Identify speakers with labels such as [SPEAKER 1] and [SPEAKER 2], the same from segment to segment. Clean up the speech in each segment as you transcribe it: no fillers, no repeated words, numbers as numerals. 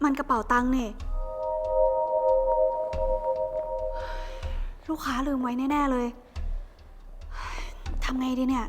[SPEAKER 1] มันกระเป๋าตังค์นี่ลูกค้าลืมไว้แน่ๆเลยทำไงดีเนี่ย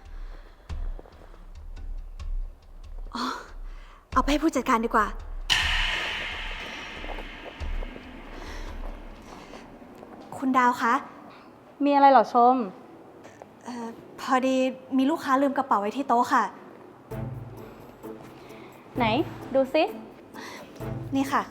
[SPEAKER 1] อ๋อเอาไปให้ผู้จัดการดีกว่าคุณดาวคะ
[SPEAKER 2] มีอะไรเหรอชม
[SPEAKER 1] พอดีมีลูกค้าลืมกระเป๋าไว้ที่โต๊ะค่ะ
[SPEAKER 2] ไหนดูซิ
[SPEAKER 1] นี่ค่ะ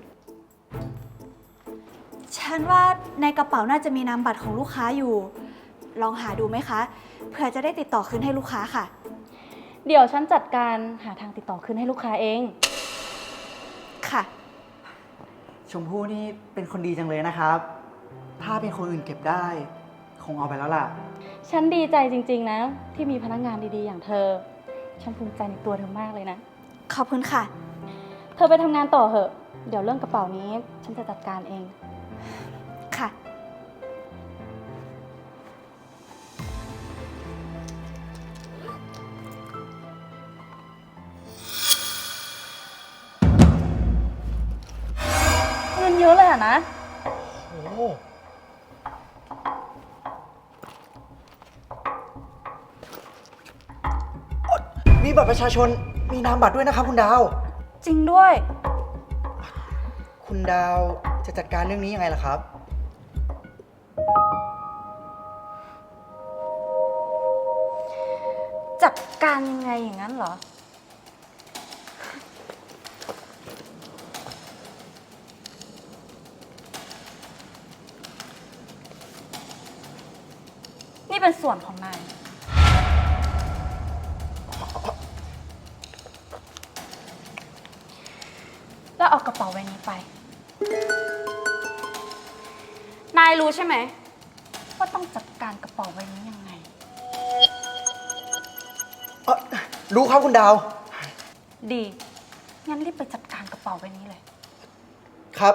[SPEAKER 1] ฉันว่าในกระเป๋าน่าจะมีนามบัตรของลูกค้าอยู่ลองหาดูไหมคะเผื่อจะได้ติดต่อคืนให้ลูกค้าค่ะ
[SPEAKER 2] เดี๋ยวฉันจัดการหาทางติดต่อคืนให้ลูกค้าเอง
[SPEAKER 1] ค่ะ
[SPEAKER 3] ชมพู่นี่เป็นคนดีจังเลยนะครับถ้าเป็นคนอื่นเก็บได้คงเอาไปแล้วล่ะ
[SPEAKER 2] ฉันดีใจจริงๆนะที่มีพนักงานดีๆอย่างเธอฉันภูมิใจในตัวเธอมากเลยนะ
[SPEAKER 1] ขอบคุณค่ะ
[SPEAKER 2] เธอไปทำงานต่อเหอะเดี๋ยวเรื่องกระเป๋านี้ฉันจะจัดการเอง
[SPEAKER 1] ค่ะ
[SPEAKER 2] เงินเยอะเลยอะนะ
[SPEAKER 3] โอ้มีบัตรประชาชนมีนามบัตรด้วยนะครับคุณดาว
[SPEAKER 2] จริงด้วย
[SPEAKER 3] คุณดาวจะจัดการเรื่องนี้ยังไงล่ะครับ
[SPEAKER 2] จัดการยังไงอย่างนั้นเหรอนี่เป็นส่วนของนายแล้วเอากระเป๋าใบนี้ไปนายรู้ใช่ไหมว่าต้องจัดการกระเป๋าใบนี้ยังไง
[SPEAKER 3] รู้ครับคุณดาว
[SPEAKER 2] ดีงั้นรีบไปจัดการกระเป๋าใบนี้เลย
[SPEAKER 3] ครับ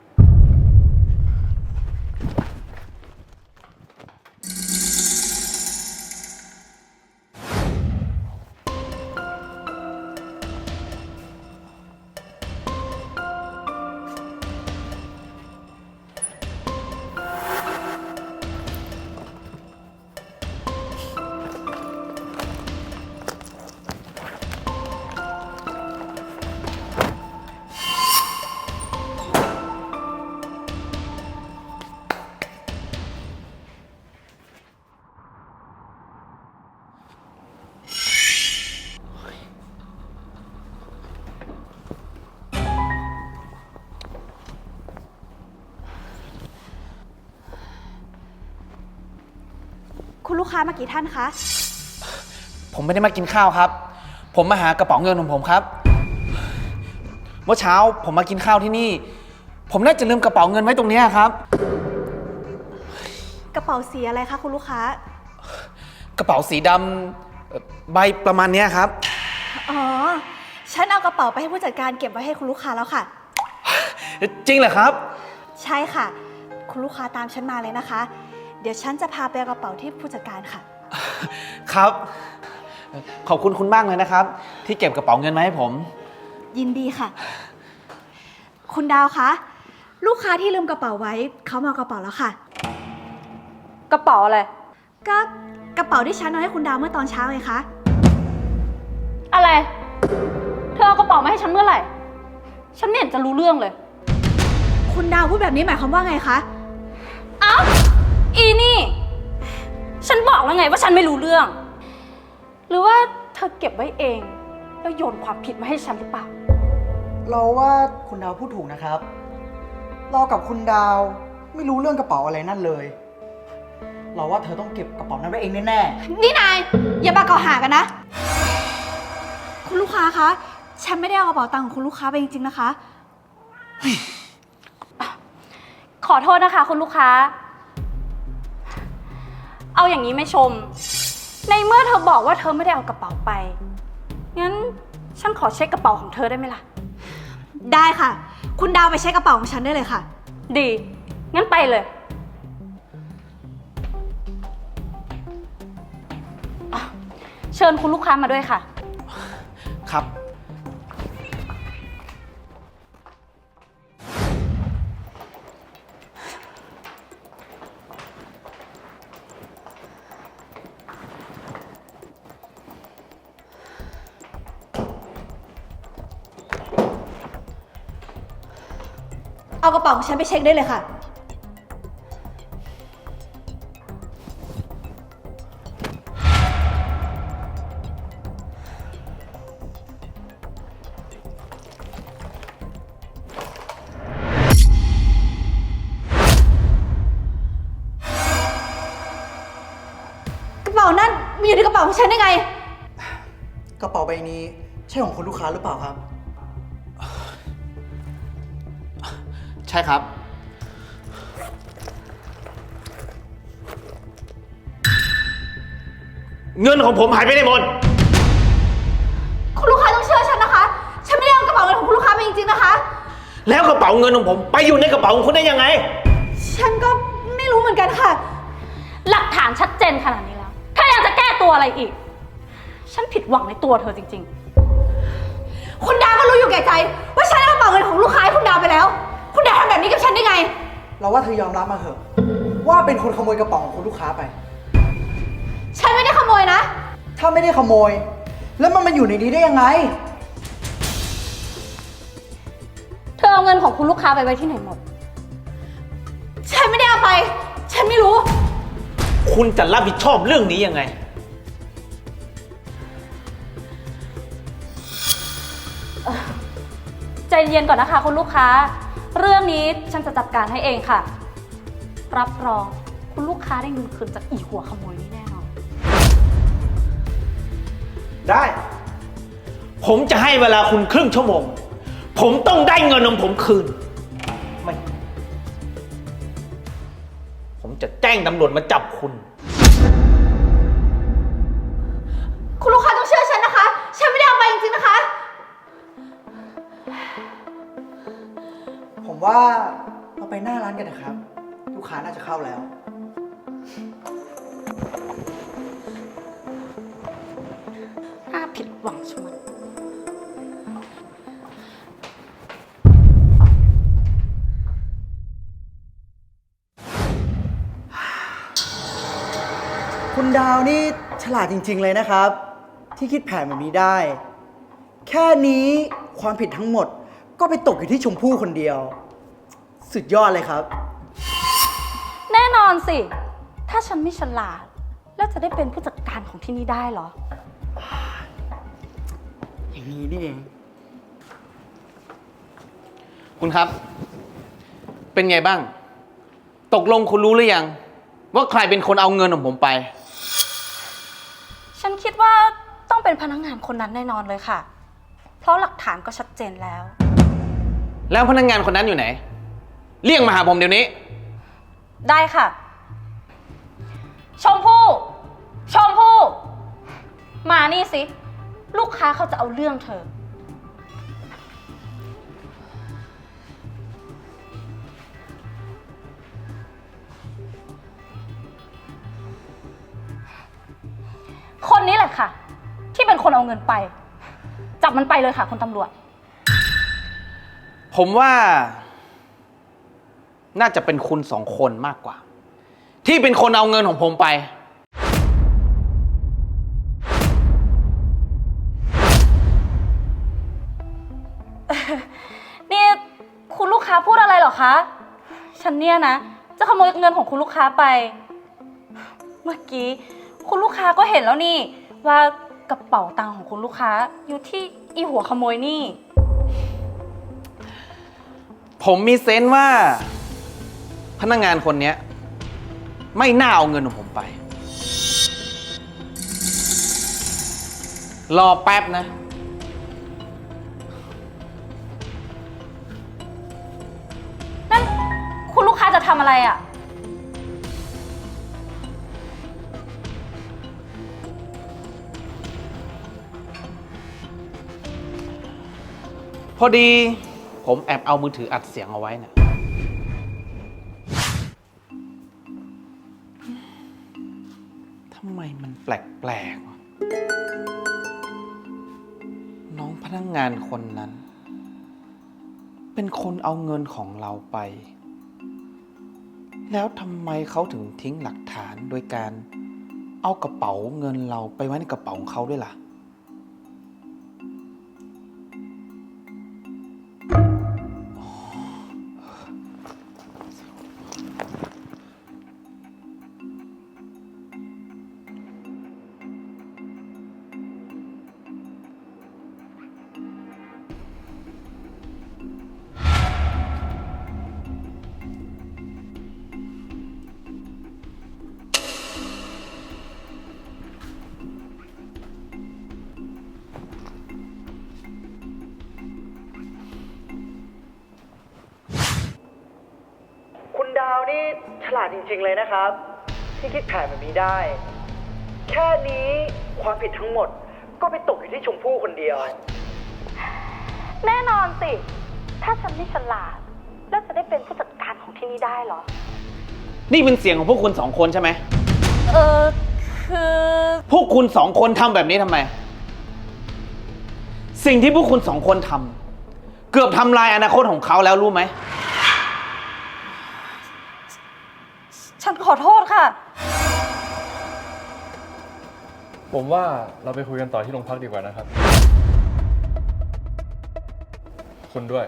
[SPEAKER 1] คุณลูกค้ามากี่ท่านคะ
[SPEAKER 4] ผมไม่ได้มากินข้าวครับผมมาหากระเป๋าเงินของผมครับเมื่อเช้าผมมากินข้าวที่นี่ผมน่าจะลืมกระเป๋าเงินไว้ตรงนี้ครับ
[SPEAKER 1] กระเป๋าสีอะไรคะคุณลูกค้าก
[SPEAKER 4] ระเป๋าสีดำใบประมาณนี้ครับ
[SPEAKER 1] อ๋อฉันเอากระเป๋าไปให้ผู้จัดการเก็บไว้ให้คุณลูกค้าแล้วค่ะ
[SPEAKER 4] จริงเหรอครับ
[SPEAKER 1] ใช่ค่ะคุณลูกค้าตามฉันมาเลยนะคะเดี๋ยวฉันจะพาไปเอากระเป๋าที่ผู้จัดการค่ะ
[SPEAKER 4] ครับขอบคุณคุณมากเลยนะครับที่เก็บกระเป๋าเงินมาให้ผม
[SPEAKER 1] ยินดีค่ะคุณดาวคะลูกค้าที่ลืมกระเป๋าไว้เขามาเอากระเป๋าแล้วค่ะ
[SPEAKER 2] กระเป๋าอะไร
[SPEAKER 1] ก็กระเป๋าที่ฉันเอาให้คุณดาวเมื่อตอนเช้าไงคะ
[SPEAKER 2] อะไรเธอเอากระเป๋ามาให้ฉันเมื่อไหร่ฉันไม่เห็นจะรู้เรื่องเลย
[SPEAKER 1] คุณดาวพูดแบบนี้หมายความว่าไงคะ
[SPEAKER 2] เอ้าอีนี่ฉันบอกแล้วไงว่าฉันไม่รู้เรื่องหรือว่าเธอเก็บไว้เองแล้วโยนความผิดมาให้ฉันหรือเปล่า
[SPEAKER 3] เราว่าคุณดาวพูดถูกนะครับเรากับคุณดาวไม่รู้เรื่องกระเป๋าอะไรนั่นเลยเราว่าเธอต้องเก็บกระเป๋านั้นไว้เองแน่
[SPEAKER 1] ๆนี่นายอย่ามาเกล่าวหากันนะคุณลูกค้าคะฉันไม่ได้เอากระเป๋าตังค์ของคุณลูกค้าไปจริงๆนะคะ
[SPEAKER 2] ขอโทษนะคะคุณลูกค้าเอาอย่างนี้ไม่ชมในเมื่อเธอบอกว่าเธอไม่ได้เอากระเป๋าไปงั้นฉันขอเช็คกระเป๋าของเธอได้ไหมล่ะ
[SPEAKER 1] ได้ค่ะคุณดาวไปเช็คกระเป๋าของฉันได้เลยค่ะ
[SPEAKER 2] ดีงั้นไปเลยเชิญคุณลูกค้ามาด้วยค่ะ
[SPEAKER 4] ครับ
[SPEAKER 1] เอากระเป๋าของฉันไปเช็คได้เลยค่ะ กระเป๋านั่นมีอยู่ในกระเป๋าของฉันได้ไง
[SPEAKER 3] กระเป๋าใบนี้ใช่ของคุณลูกค้าหรือเปล่าครับ
[SPEAKER 4] ใช่ครับ
[SPEAKER 5] เงินของผมหายไปไหนหมด
[SPEAKER 1] คุณลูกค้าต้องเชื่อฉันนะคะ ฉันไม่ได้เอากระเป๋าเงินของคุณลูกค้าไปจริงๆนะคะ
[SPEAKER 5] แล้วกระเป๋าเงินของผมไปอยู่ในกระเป๋าของคุณได้ยังไง
[SPEAKER 1] ฉันก็ไม่รู้เหมือนกันค่ะ
[SPEAKER 2] หลักฐานชัดเจนขนาดนี้แล้วถ้ายังจะแก้ตัวอะไรอีก ฉันผิดหวังในตัวเธอจริงๆ
[SPEAKER 1] คุณดาวก็รู้อยู่แก่ใจ ว่าฉันเอากระเป๋าเงินของลูกค้าให้คุณดาวไปแล้ว คุณดาวทำแบบนี้กับฉันได้ไง
[SPEAKER 3] เราว่าเธอยอมรับมาเถอะ ว่าเป็นคนขโมยกระเป๋าของคุณลูกค้าไป
[SPEAKER 1] ฉันไม่ได้ขโมยนะ
[SPEAKER 3] ถ้าไม่ได้ขโมย แล้วมันมาอยู่ในนี้ได้ยังไง
[SPEAKER 2] เธอเอาเงินของคุณลูกค้าไปไว้ที่ไหนหมด
[SPEAKER 1] ฉันไม่ได้เอาไป ฉันไม่รู้
[SPEAKER 5] คุณจะรับผิดชอบเรื่องนี้ยังไง
[SPEAKER 2] ใจเย็นก่อนนะคะคุณลูกค้า เรื่องนี้ฉันจะจัดการให้เองค่ะ รับรองคุณลูกค้าได้เงินคืนจากอีหัวขโมยนี้แน่นอน
[SPEAKER 5] ได้ ผมจะให้เวลาคุณครึ่งชั่วโมง ผมต้องได้เงินของผมคืน ไม่ ผมจะแจ้งตำรวจมาจับคุณ
[SPEAKER 1] คุณลูกค้าต้องเชื่อฉันนะคะ ฉันไม่ได้เอาไปจริงๆนะคะ
[SPEAKER 3] ผมว่าเราไปหน้าร้านกันนะครับ ลูกค้าน่าจะเข้าแล้ว
[SPEAKER 2] น่าผิดหวังชะมัด
[SPEAKER 3] คุณดาวนี่ฉลาดจริง ๆ เลยนะครับ ที่คิดแผนแบบนี้ได้ แค่นี้ความผิดทั้งหมดก็ไปตกอยู่ที่ชมพู่คนเดียว สุดยอดเลยครับ
[SPEAKER 2] แน่นอนสิ ถ้าฉันไม่ฉลาด แล้วจะได้เป็นผู้จัดการของที่นี่ได้เหรอ
[SPEAKER 3] อย่างนี้นี่เอง
[SPEAKER 4] คุณครับ เป็นไงบ้าง ตกลงคุณรู้หรือยัง ว่าใครเป็นคนเอาเงินของผมไป
[SPEAKER 2] ฉันคิดว่าต้องเป็นพนักงานคนนั้นแน่นอนเลยค่ะ เพราะหลักฐานก็ชัดเจนแล้ว
[SPEAKER 4] แล้วพนักงานคนนั้นอยู่ไหน เรียกมาหาผมเดี๋ยวนี้
[SPEAKER 2] ได้ค่ะ ชมพู่ ชมพู่ มานี่สิ ลูกค้าเขาจะเอาเรื่องเธอ คนนี้แหละค่ะ ที่เป็นคนเอาเงินไป จับมันไปเลยค่ะคุณตำรวจ
[SPEAKER 4] ผมว่า น่าจะเป็นคุณสองคนมากกว่า ที่เป็นคนเอาเงินของผมไป
[SPEAKER 2] นี่คุณลูกค้าพูดอะไรเหรอคะ ฉันเนี่ยนะ จะขโมยเงินของคุณลูกค้าไป เมื่อกี้คุณลูกค้าก็เห็นแล้วนี่ ว่ากระเป๋าตังค์ของคุณลูกค้าอยู่ที่อีหัวขโมยนี่
[SPEAKER 4] ผมมีเซนส์ว่า พนักงานคนเนี้ย ไม่น่าเอาเงินของผมไป รอแป๊บนะ
[SPEAKER 2] นั่นคุณลูกค้าจะทำอะไรอ่ะ
[SPEAKER 4] พอดี ผมแอบเอามือถืออัดเสียงเอาไว้นะทำไมมันแปลกๆวะน้องพนักงานคนนั้น เป็นคนเอาเงินของเราไป แล้วทำไมเขาถึงทิ้งหลักฐานโดยการเอากระเป๋าเงินเราไปไว้ในกระเป๋าของเขาด้วยล่ะ
[SPEAKER 3] ลาดจริงๆเลยนะครับ ที่คิดแผนแบบนี้ได้ แค่นี้ความผิดทั้งหมดก็ไปตกอยู่ที่ชมพู่คนเดียว
[SPEAKER 2] แน่นอนสิ ถ้าฉันไม่ฉลาด แล้วจะได้เป็นผู้จัดการของที่นี่ได้เหรอ
[SPEAKER 4] นี่เป็นเสียงของพวกคุณสองคนใช่ไหม
[SPEAKER 2] คือ
[SPEAKER 4] พวกคุณสองคนทำแบบนี้ทำไม สิ่งที่พวกคุณสองคนทำเกือบทำลายอนาคตของเขาแล้วรู้ไหม
[SPEAKER 2] ฉันขอโทษค่ะ
[SPEAKER 6] ผมว่าเราไปคุยกันต่อที่โรงพักดีกว่านะครับ คุณด้วย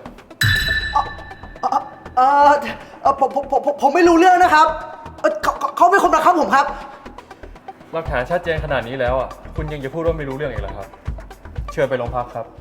[SPEAKER 3] ผมไม่รู้เรื่องนะครับเขาเป็นคนบังคับผมครับ
[SPEAKER 6] หลักฐานชัดเจนขนาดนี้แล้วอ่ะ คุณยังจะพูดว่าไม่รู้เรื่องอีกเหรอครับ เชิญไปโรงพักครับ